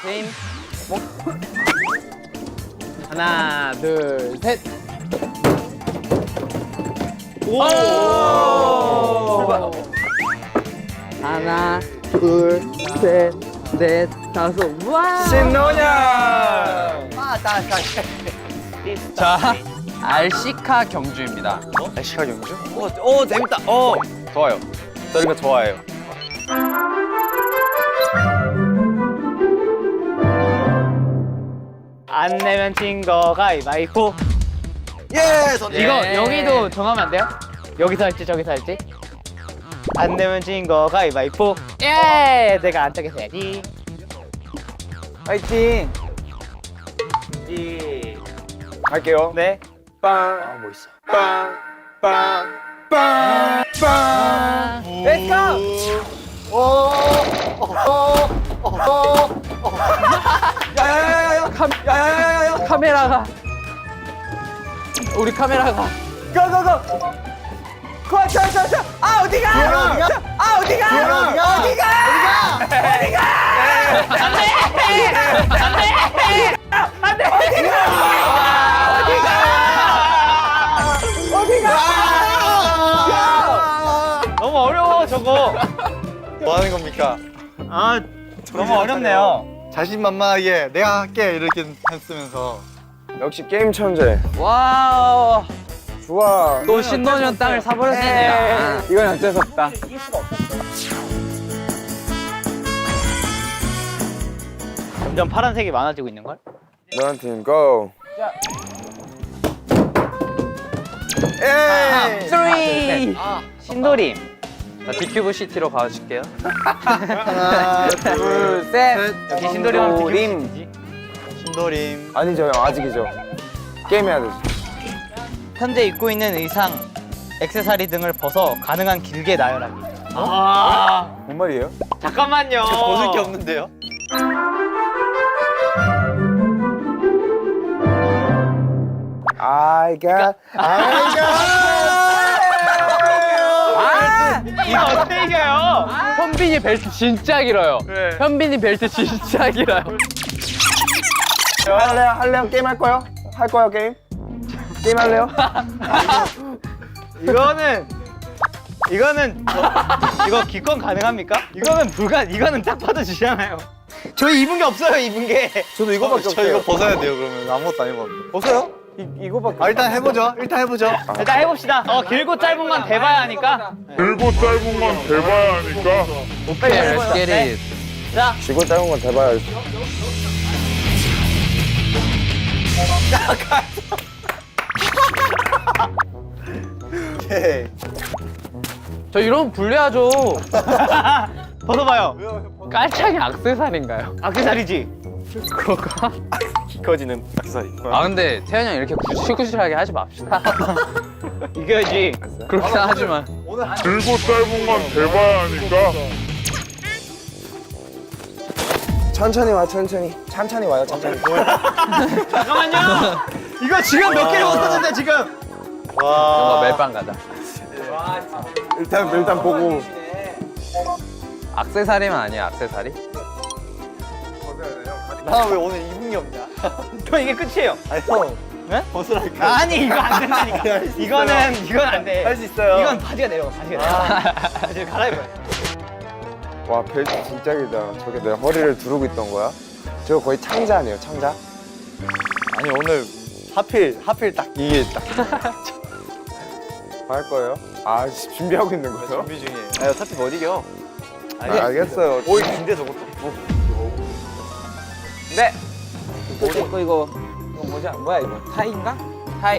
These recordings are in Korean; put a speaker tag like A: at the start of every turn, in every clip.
A: 게임. 하나, 둘, 셋. 오! 하나, 둘, 셋, 넷, 다섯. 와!
B: 신노년.
A: 자, 알시카 경주입니다.
B: 날씨가 경주? 오 재밌다. 좋아요. 저 이런 거 좋아해요.
C: 안 내면 진 거 가위바위보.
B: 예.
C: 이거 여기도 정하면 안 돼요? 여기서 할지 저기서 할지? 안 내면 진 거 가위바위보. 예! 내가 안쪽에서 해야지.
B: 파이팅. 갈게요.
C: 네.
B: 빵. 뭐 있어? 빵. 빵. 빵. 빵.
C: Let's go!
B: 야야야야야. 야야야야야.
A: 카메라가. 우리 카메라가.
B: 고고고. 자. 아 어디가? 아 어디가? 어디가?
C: 너무 어려워 저거.
B: 뭐 하는 겁니까?
C: 아 너무 어렵네요.
B: 자신만만하게 내가 할게 이렇게 했으면서 역시 게임 천재.
A: 와우.
B: 좋아.
A: 또 신노년 땅을 사버렸네요.
B: 이건 어쩔 수 없다.
C: 점점 파란색이 많아지고 있는 걸?
B: 너한테는 고. 에이.
A: 쓰리.
C: 신도림.
A: 자, 비큐브 시티로 가줄게요.
B: 하나, 둘, 셋.
C: 여기 신도림은
B: 신도림.
C: 비교시지.
B: 신도림. 아니죠, 형. 아직이죠. 게임 해야 되지.
C: 현재 입고 있는 의상, 액세서리 등을 벗어 가능한 길게 나열하기. 아
B: 뭔 말이에요?
C: 잠깐만요.
B: 벗을 게 없는데요? I got.
C: 이거 어떻게 이겨요?
A: 현빈이 벨트 진짜 길어요. 현빈이 벨트 진짜 길어요.
B: 할래요? 게임 할 거요? 할 거요, 게임? 게임 할래요?
C: 이거는 이거 기권 가능합니까? 이거는 딱 봐도 주잖아요. 저희 입은 게 없어요, 입은 게.
B: 저도 이거밖에 없어요. 저 이거 벗어야 돼요, 그러면. 아무것도 안 입었는데. 벗어요? 이거밖에. 일단 해보죠.
C: 일단 해봅시다. 길고 짧은 건 대봐야 하니까.
D: 길고 짧은 건 대봐야 하니까
A: 오케이, let's get it.
C: 자,
B: 지고 짧은 건 대봐야지. 오케이.
A: 저 이러면 불리하죠.
C: 벗어봐요.
A: 깔창이 악세사리인가요?
C: 악세사리지.
A: 그거가?
B: 커지는 악세사리.
A: 아 근데 태현이 형 이렇게 구실구실하게 하지 맙시다.
C: 이겨야지.
A: 그렇게 하지만.
D: 길고 짧은 건 대봐야 하니까
B: 천천히 와요, 천천히. 천천히 와요, 천천히.
C: 잠깐만요. 이거 지금 몇 개를 못했는데 지금.
A: 뭔가 멜빵 가자.
B: 일단 보고.
A: 악세사리만 아니야, 악세사리?
B: 나 왜 오늘 입은 게 없냐?
C: 저 이게 끝이에요.
B: 아니, 형.
C: 네?
B: 벗으라니까.
C: 아니 이거 안 된다니까. 이건 안 돼.
B: 할 수 있어요.
C: 이건 바지가 내려가. 바지를 갈아입어요.
B: 와, 벨트 진짜 길다. 저게 내 허리를 두르고 있던 거야? 저거 거의 창자 아니에요, 창자? 아니, 오늘 하필 딱 이게 딱. 할 거예요? 아, 준비하고 있는 거예요? 준비 중이에요. 아, 어차피 못 이겨. 알겠어요. 오이 긴데 저것도.
A: 네. 이거 뭐야 이거? 타이인가? 타이.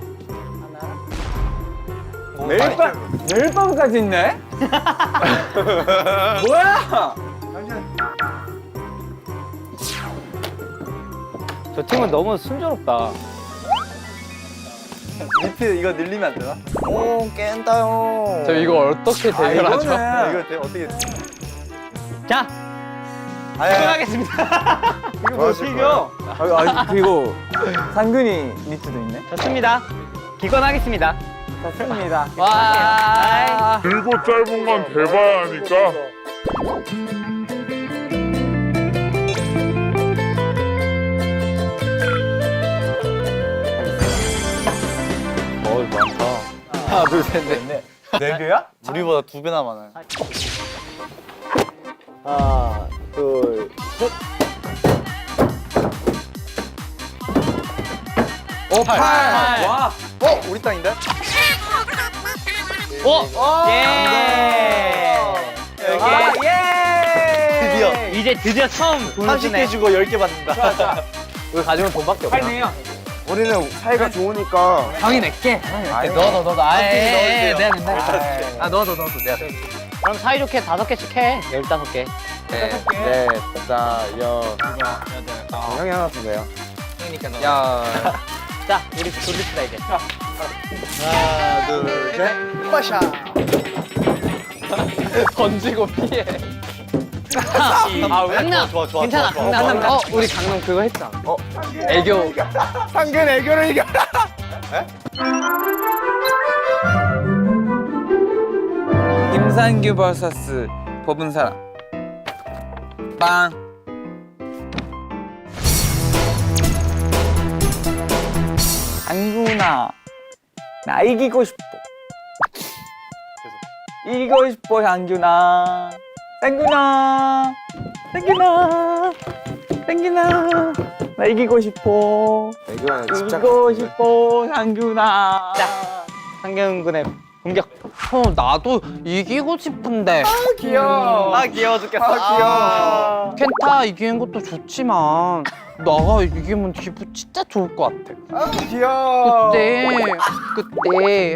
A: 멜빵까지 있네? 뭐야?
C: 저 팀은 너무 순조롭다.
B: 리필 이거 늘리면 안 되나? 오, 깬다요.
A: 저 이거 어떻게 대결하죠?
B: 이거 어떻게.
C: 자, 기권하겠습니다. 이거 뭐 어떻게 이겨?
B: 그리고 상근이 니트도 있네.
C: 좋습니다. 기권하겠습니다.
B: 좋습니다.
A: 와.
D: 길고 짧은 건 대봐야 하니까
A: 둘, 셋, 넷.
B: 4개야?
E: 우리보다 2배나 많아요.
B: 하나, 둘, 셋.
A: 오, 8. 와.
B: 우리 땅인데?
C: 예.
E: 드디어
C: 이제 드디어 처음 돈을
E: 30개 주고 10개 받는다.
A: 우리 가지면 돈밖에 없어.
B: 우리는 사이가 좋으니까.
A: 형이 낼게.
B: 아니,
A: 너도. 아예.
E: 넣어주세요.
A: 내가. 아, 너도. 내가.
C: 그럼 사이좋게 5개씩 해. 15개.
B: 네, 다, 형이 하나 주세요.
A: 야.
C: 자, 우리 돌립시다 이제.
E: 하나, 둘, 셋. 빠샤.
A: 던지고 피해.
C: 강남.
E: 좋아, 좋아,
C: 괜찮아.
E: 좋아, 좋아.
C: 강남.
A: 우리 강릉 그거 했잖아. 애교.
B: 상근 애교를 이겨라.
F: 김상규 vs 법은 사람. 빵. 안구나, 나 이기고 싶어. 이기고 싶어, 상규나. 상규나, 나 이기고 싶어.
B: 애교에 집착.
F: 이기고 싶어, 상규나.
C: 자, 상경군의 공격.
A: 나도 이기고 싶은데.
B: 귀여워.
E: 귀여워 죽겠어.
B: 귀여워.
A: 켄타 이기는 것도 좋지만 나가 이기면 기분 진짜 좋을 것 같아.
B: 귀여워.
A: 그때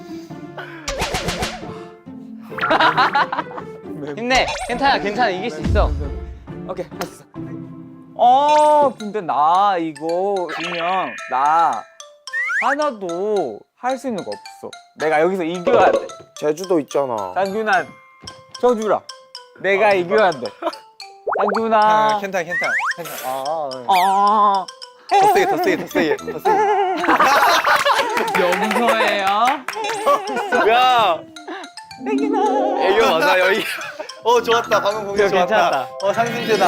C: 힘내. 괜찮아. 이길 수 있어.
F: 오케이, 했어. 근데 나 이거 지면 나 하나도 할 수 있는 거 없어. 내가 여기서 이겨야 돼.
B: 제주도 있잖아.
F: 상규나, 저 주라. 내가 이겨야 돼. 상규나.
E: 괜찮아.
F: 아.
E: 더 세게.
A: 용서해요.
E: 야. 애교 맞아 여기. 좋았다. 방금 공격 좋았다.
C: 괜찮았다.
E: 상승세다.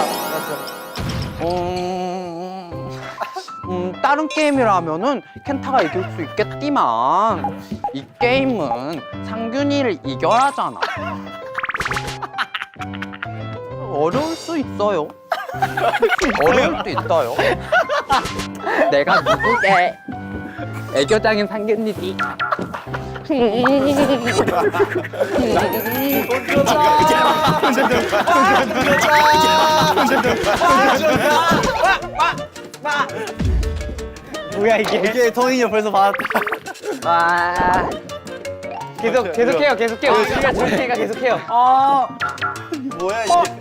A: 다른 게임이라면은 켄타가 이길 수 있겠지만 이 게임은 상균이를 이겨야잖아. 어려울 수 있어요. 어려울 수 있어요. 내가 누구게? 애교장인 상균이지.
C: 뭐야 이게?
E: 오케이 토니이 벌써 받았다.
A: 와.
C: 계속해요. 우리가 줄 테니까 계속해요.
E: 뭐야 이게?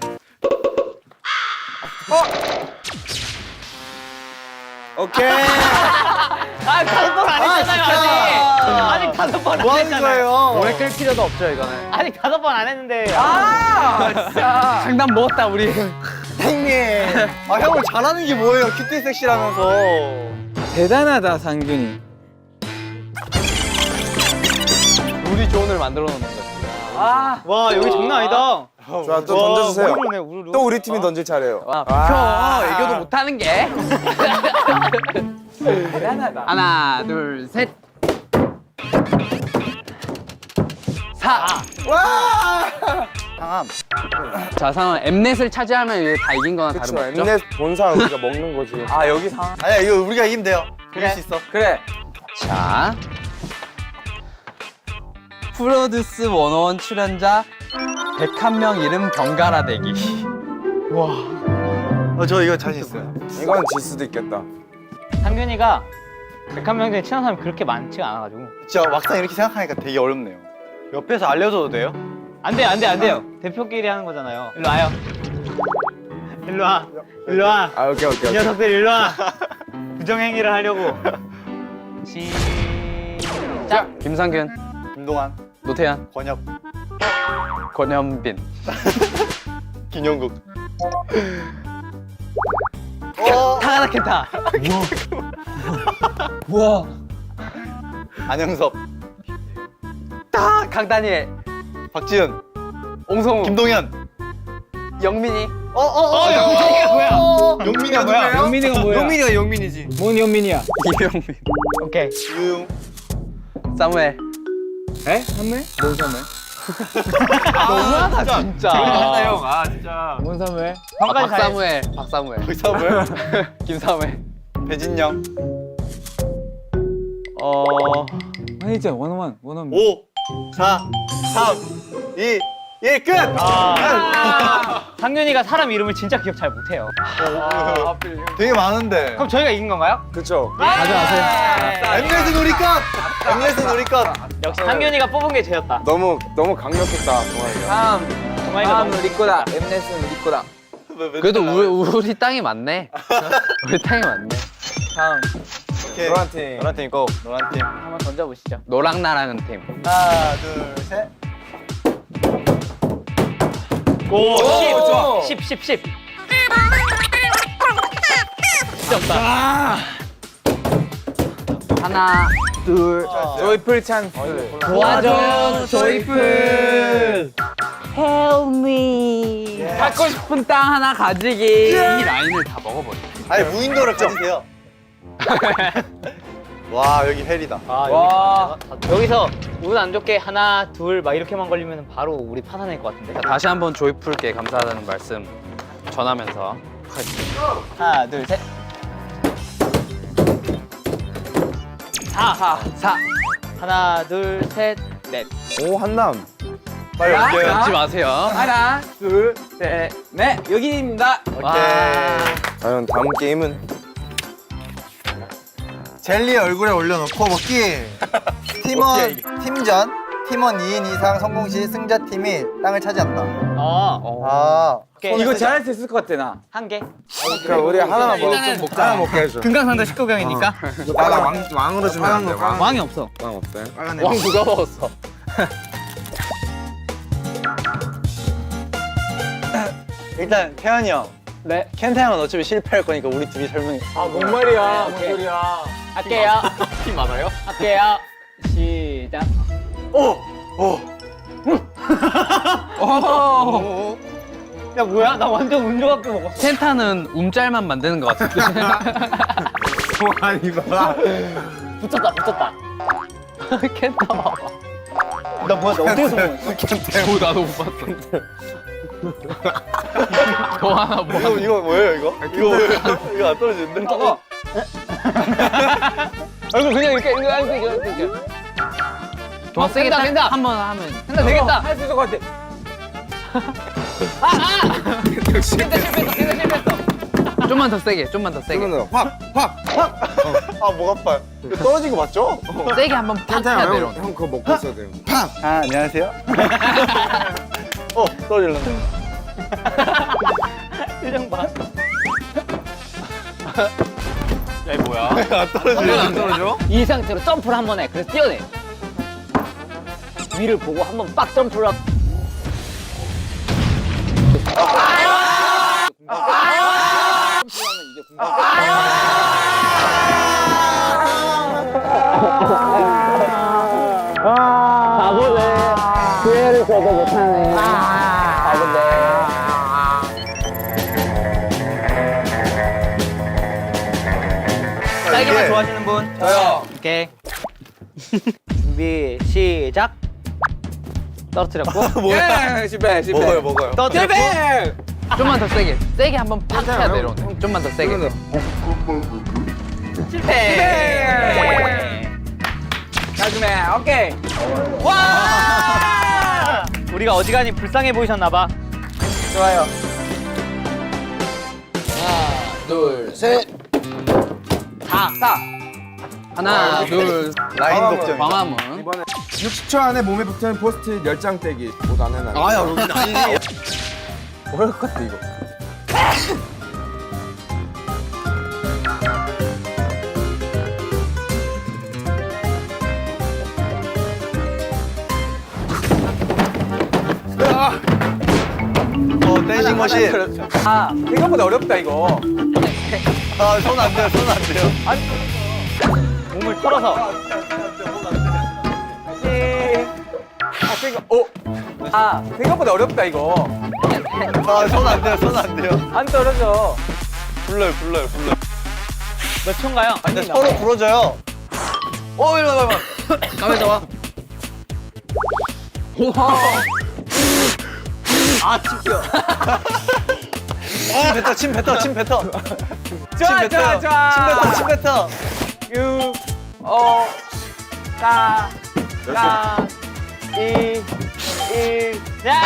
E: 오케이.
C: 다섯 번 안 했잖아요 아직 5번
E: 뭐
C: 안
E: 하는
C: 했잖아요.
E: 거예요?
A: 오래 끌 필요도 없죠 이거는.
C: 아직 5번 안 했는데.
A: 장난 먹었다 우리.
E: 형님. 형을 잘하는 게 뭐예요? 큐티 섹시라면서.
F: 대단하다, 상균이.
A: 우리 조언을 만들어 놓는 거지.
C: 와 여기 장난 아니다.
B: 좋아, 또 던져주세요.
C: 우르르네 우르르.
B: 또 우리 팀이 던질 차례예요.
A: 형 애교도 못하는 게.
F: 대단하다.
A: 하나 둘 셋. 4.
E: 상암.
A: 자 상은 엠넷을 차지하면 이제 다 이긴 거나
B: 그쵸,
A: 다름없죠.
B: 엠넷 본사 우리가 먹는 거지.
F: 아, 여기 상황.
E: 아니야 이거 우리가 이기면 돼요. 이길 수 있어.
F: 그래.
A: 자 프로듀스 101 출연자 101명 이름 번갈아 대기.
E: 저 이거 자신 있어요.
B: 이건 질 수도 있겠다.
C: 상균이가 101명 중에 친한 사람이 그렇게 많지가 않아가지고.
E: 진짜 막상 이렇게 생각하니까 되게 어렵네요. 옆에서 알려줘도 돼요?
C: 안 돼요. 대표끼리 하는 거잖아요. 일로 와요. 일로 와.
B: 아, 오케이.
C: 이 녀석들 일로 와. 부정행위를 하려고. 시작.
A: 김상균,
E: 김동완,
A: 노태현,
E: 권혁,
A: 권현빈.
E: 김영국.
C: 타가다 켄타.
A: 우와.
E: 안영섭,
A: 강다니엘,
E: 박지은,
A: 옹성우,
E: 김동현.
A: 영민이.
C: 영민이가 뭐야?
E: 용민이가 뭐야?
F: 영민이가 뭐야?
E: 용민이가 용민이지.
F: 뭔 영민이야?
A: 이병민,
C: 오케이.
E: 유용,
A: 사무엘,
F: 에? 선물? 뭔 선물?
A: 너무하다 진짜.
B: 형. 아 진짜.
F: 뭔 선물?
C: 형까지 잘.
A: 박사무엘.
B: 사무엘.
A: 김사무엘.
B: 배진영.
F: 매니저 원어원.
E: 5, 4, 3, 2, 1 끝.
C: 상윤이가 사람 이름을 진짜 기억 잘 못해요.
E: 되게 많은데.
C: 그럼 저희가 이긴 건가요?
B: 그쵸.
C: 가져가세요.
E: 엠넷은 우리 것. 엠넷은 우리 것.
C: 역시 상윤이가 뽑은 게 죄였다.
B: 너무 강력했다 동아리가.
C: 정말이가 너무
F: 우리 거다. 엠넷은 우리 거다.
A: 그래도 우리 땅이 맞네. 우리 땅이 맞네.
F: 다음.
E: 오케이.
B: 노란 팀.
E: 노란 팀 고. 노란 팀.
C: 한번 던져보시죠.
A: 노랑 나랑은 팀.
E: 하나, 둘, 셋.
C: 오,
F: 좋아.
C: 10. 진짜 없다.
A: 하나, 둘.
F: 조이풀 찬스.
A: 도와줘, 조이풀. Help me. 갖고 싶은 땅 하나 가지기. 이 라인을 다 먹어버려.
E: 아니 무인도를 가지세요. 와 여기 헬이다.
F: 와.
C: 여기서 운 안 좋게 하나, 둘 막 이렇게만 걸리면 바로 우리 파산할 것 같은데.
A: 다시 한번 조이풀께 감사하다는 말씀 전하면서
C: 하나, 둘, 셋. 4. 하나, 둘, 셋, 넷.
B: 오 한남.
E: 빨리 올게요.
A: 잊지 마세요.
F: 하나, 둘, 셋, 넷. 여기입니다.
B: 과연 다음 게임은?
E: 젤리 얼굴에 올려놓고 먹기. 팀원 2인 이상 성공 시 승자팀이 땅을 차지한다. 아,
C: 오케이.
F: 이거 잘할 수 있을 것 같아 나.
C: 한 개.
B: 그럼 우리 하나만 좀 먹자. 하나 먹게 해줘.
C: 금강산도 19경이니까.
B: 나가 왕으로 주면 안 돼.
C: 왕이 없어.
B: 왕 없어요?
E: 빨간
A: 왕 누가 먹었어?
E: 일단 태현이 형.
C: 네.
E: 켄타 형은 어차피 실패할 거니까 우리 둘이 설명해.
F: 뭔 말이야? 뭔 소리야?
C: 할게요. 팀 많아요? 할게요. 시작. 야 뭐야? 나 완전 운 좋게 먹었어.
A: 켄타는 움짤만 만드는 것 같은데.
B: 아니 봐.
C: 붙었다.
A: 켄타 봐봐.
C: 나 뭐야? 나 어디서 먹었어?
A: 오, 나도 못 봤어. 너 하나 뭐?
E: 이거 뭐예요 이거? 이거 안 떨어지는데?
C: 얼굴 그냥 이렇게 이렇게.
A: 더 세게
C: 된다, 된다.
A: 한번 하면.
C: 된다 되겠다.
F: 할 수 있을 것 같아.
C: 실패했어.
A: 좀만 더 세게, 좀만 더 세게.
B: 그러면 확.
E: 아 목 아파요. 이거 떨어진 거 맞죠?
A: 세게 한번 팍 해야
B: 형,
A: 내려오네.
B: 형 그거 먹고 있어야 돼요.
E: 아 안녕하세요. 떨어질라.
C: 표정 봐.
E: 안 떨어져?
C: 이 상태로 점프를 한 번 해. 그래서 뛰어내. 위를 보고 한 번 빡 점프를 하고. 바보네. 기회를 줘도 못하네. 바보네. 딸기만 좋아하시는 분?
E: 저요.
C: 오케이. 준비 시작. 떨어뜨렸고.
F: 예, 실패.
B: 먹어요.
C: 떨어뜨렸고.
A: 좀만 더 세게. 세게 한번 팍 해야 내려오네. 좀만 더 세게.
C: 실패.
F: 나중에 오케이.
C: 와! 우리가 어지간히 불쌍해 보이셨나봐.
E: 좋아요.
A: 둘, 셋. 4. 하나, 둘.
E: 라인 독점.
A: 광화문.
B: 60초 안에 몸에 붙는 포스트잇 10장 떼기. 못 안 해놔.
E: 아야 여기 아니지.
B: 어려울 것 같아 이거.
E: 댄싱 머신.
F: 아, 생각보다 어렵다 이거.
E: 아손 안 돼요. 손 안 돼요.
C: 몸을 털어서.
F: 생각보다 어렵다 이거.
E: 아손 안 돼요. 손 안 돼요.
F: 안 떨어져.
E: 불러요.
C: 몇 초인가요?
E: 근데 서로 부러져요.
A: 가만히 와.
E: 침 뱉어.
F: 좋아, 좋아, 좋아.
E: 침 뱉어.
F: 6, 5, 4, 3, 2, 1.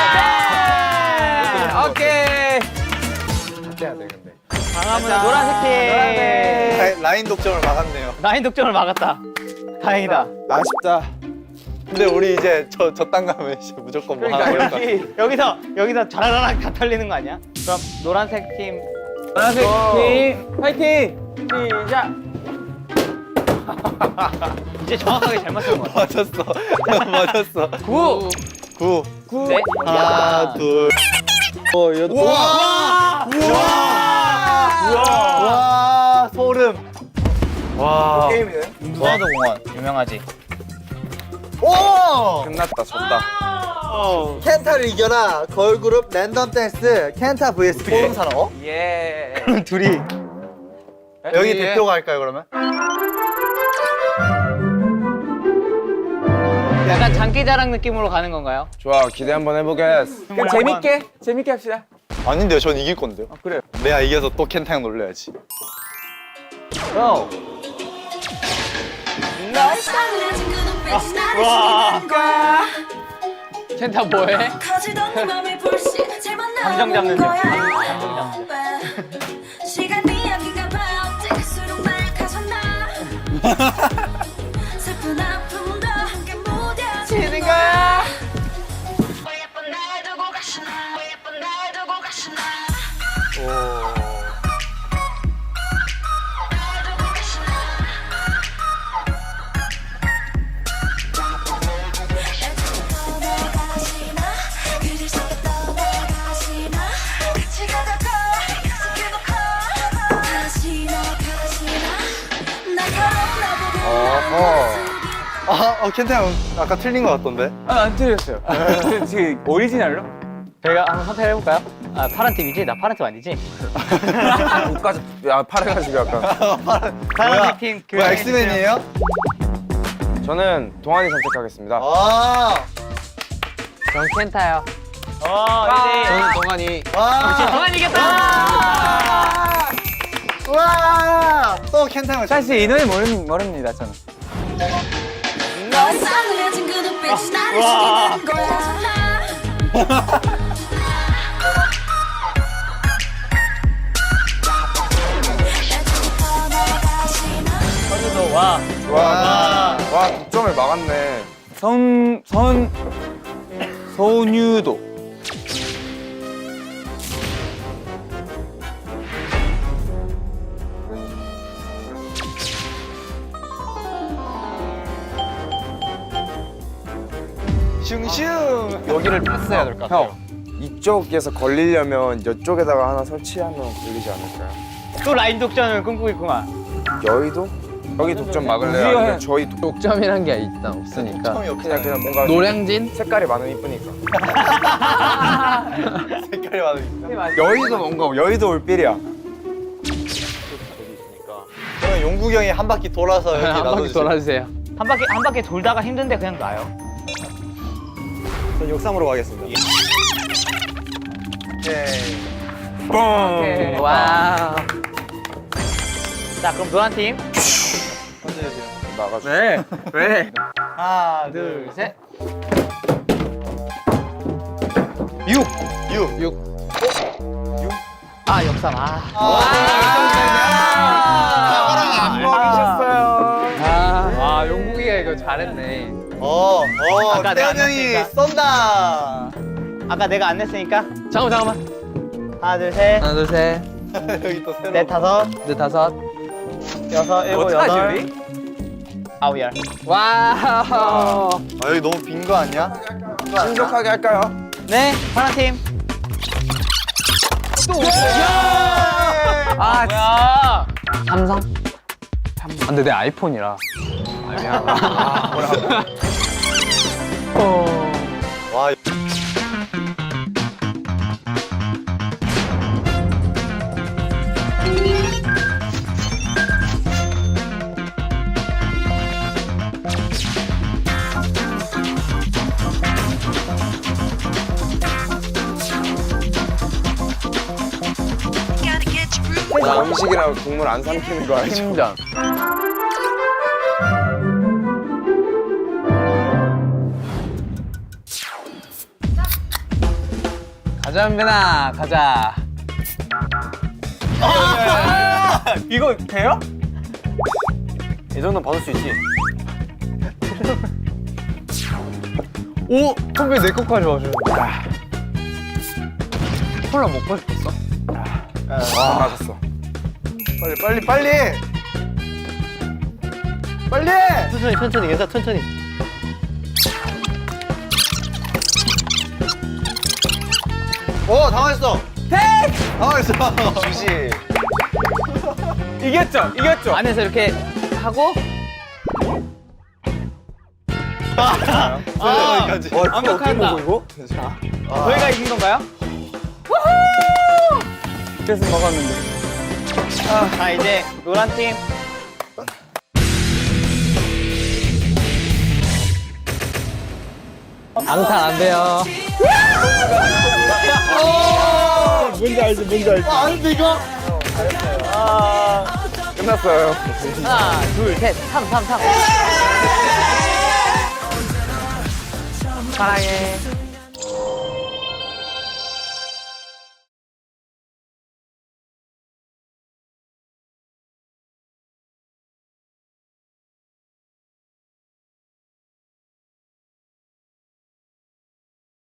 C: 야!
F: 오케이.
B: 해야 돼 근데.
C: 강화문은 노란색 팀.
E: 라인 독점을 막았네요.
C: 라인 독점을 막았다. 다행이다.
B: 아쉽다.
E: 근데 우리 이제 저땅 가면 이제 무조건 뭐 하나
C: 그러니까
E: 걸릴 것 같아.
C: 여기서 자라라락 다 털리는 거 아니야? 그럼 노란색 팀
F: 노란색 팀 파이팅. 시작.
C: 이제 정확하게 잘 맞춘 것 같아.
E: 맞았어.
C: 9,
E: 9.
F: 9.
C: 네.
E: 하나, 둘. 여덟.
C: 와!
E: 와, 소름. 와.
B: 게임이네.
C: 무화도 공원 유명하지.
E: 오!
B: 끝났다 졌다.
E: 켄타를 이겨라. 걸그룹 랜덤 댄스 켄타 vs 포rum 산업.
F: 예.
E: 둘이 여기 대표가 할까요 그러면?
C: 약간 장기자랑 느낌으로 가는 건가요?
B: 좋아 기대 한번 해보겠어.
F: 그럼 재밌게 합시다.
E: 아닌데요, 전 이길 건데요.
F: 그래요.
E: 내가 이겨서 또 켄타 형 놀려야지.
F: 고.
C: 켄타 뭐해? 감정 잡는 중.
G: 시간이 여긴가 봐 어쩔수록 날 가졌나 슬픈 아픔도 함께 무뎌지는 거야 왜 예쁜 날 두고 가시나 왜 예쁜 날 두고 가시나 날 두고 가시나 떠나가시나 그리 쉽게 떠나가시나 같이 가자고 약속해놓고 가시나 나보고
E: 켄타 형 아까 틀린 것 같던데.
F: 안 틀렸어요. 지금 오리지널로?
C: 저희가 한번 선택해볼까요? 아 파란 팀이지? 나 파란 팀 아니지?
B: 옷까지 야 팔해가지고 약간.
C: 파란 팀 그
E: 뭐야, 엑스맨이에요?
B: 저는 동환이 선택하겠습니다.
E: 아,
A: 전 켄타요.
C: 저는
A: 동환이.
E: 와,
C: 동안 이겼다!
E: 와, 또 켄타 형.
F: 사실 이 노래 모릅니다 저는.
G: 너의 싸늘해진 그 눈빛이 나를 죽이는 거야
C: 선우도 와.
B: 와 득점을 막았네.
F: 선유도.
E: 슝슝. 여기를 패스해야 될 것 같아요.
B: 형 이쪽에서 걸리려면 이쪽에다가 하나 설치하면 걸리지 않을까요?
C: 또 라인 독점을 꿈꾸고 있구만.
B: 여의도? 여기 독점 막을래요?
F: 우리가
B: 아니면
F: 해.
B: 저희
A: 독점이란 게 일단 없으니까.
B: 그냥 뭔가
A: 노량진?
B: 색깔이 많으면 이쁘니까.
E: 색깔이 많으니까.
B: 여의도 뭔가 여의도 올빌이야.
E: 그러면 용국이 형이 한 바퀴 돌아서 여기
A: 한 바퀴
E: 놔둬주세요.
A: 돌아주세요.
C: 한 바퀴 돌다가 힘든데 그냥 놔요.
E: 전 역삼으로 가겠습니다.
C: 오케이.
A: 와.
C: 자 그럼 노란 팀.
B: 나가줘.
F: 네. 왜?
E: 하나,
C: 둘, 셋.
E: 6.
C: 아 역삼. 아.
B: 안 먹이셨어요.
A: 와, 용국이가 이거 잘했네.
C: 아까 내가
E: 태현 형이
C: 안
E: 쏜다.
C: 아까 내가 안 냈으니까.
A: 잠깐만.
C: 하나 둘 셋.
A: 하나, 둘, 셋,
E: 여기 또 새로.
C: 넷 다섯.
A: 넷, 다섯.
C: 여섯 일곱
F: 어떡하지,
C: 여덟.
F: 우리?
C: 아홉 열.
A: 와우.
E: 여기 너무 빈 거 아니야?
B: 신속하게 할까요?
C: 네 파란 팀.
A: 아,
C: 뭐야?
A: 삼성? 아, 근데 내 아이폰이라. 아, 미안하다.
E: 와.
B: 나 음식이랑 국물 안 삼키는 거 알죠?
A: 팀전. 가자 은빈아 가자.
F: 이거 돼요?
B: 이 정도는 받을 수 있지.
A: 오 선배 내 것까지 와주는데. 콜라 먹고 싶었어?
B: 와, 맞았어.
E: 빨리 빨리 빨리.
C: 천천히 괜찮아 천천히.
E: 오 당황했어. 당황했어.
B: 주시.
F: 이겼죠? 이겼죠?
C: 안에서 이렇게 하고
E: 여기까지.
C: 완벽하다.
B: 이거?
C: 저희가 이긴 건가요?
F: 그래서 먹었는데.
C: 자 이제 노란 팀.
A: 앙탈 안 돼요.
E: 아닌데 이거?
B: 끝났어요.
C: 하나 둘셋 3. 사랑해.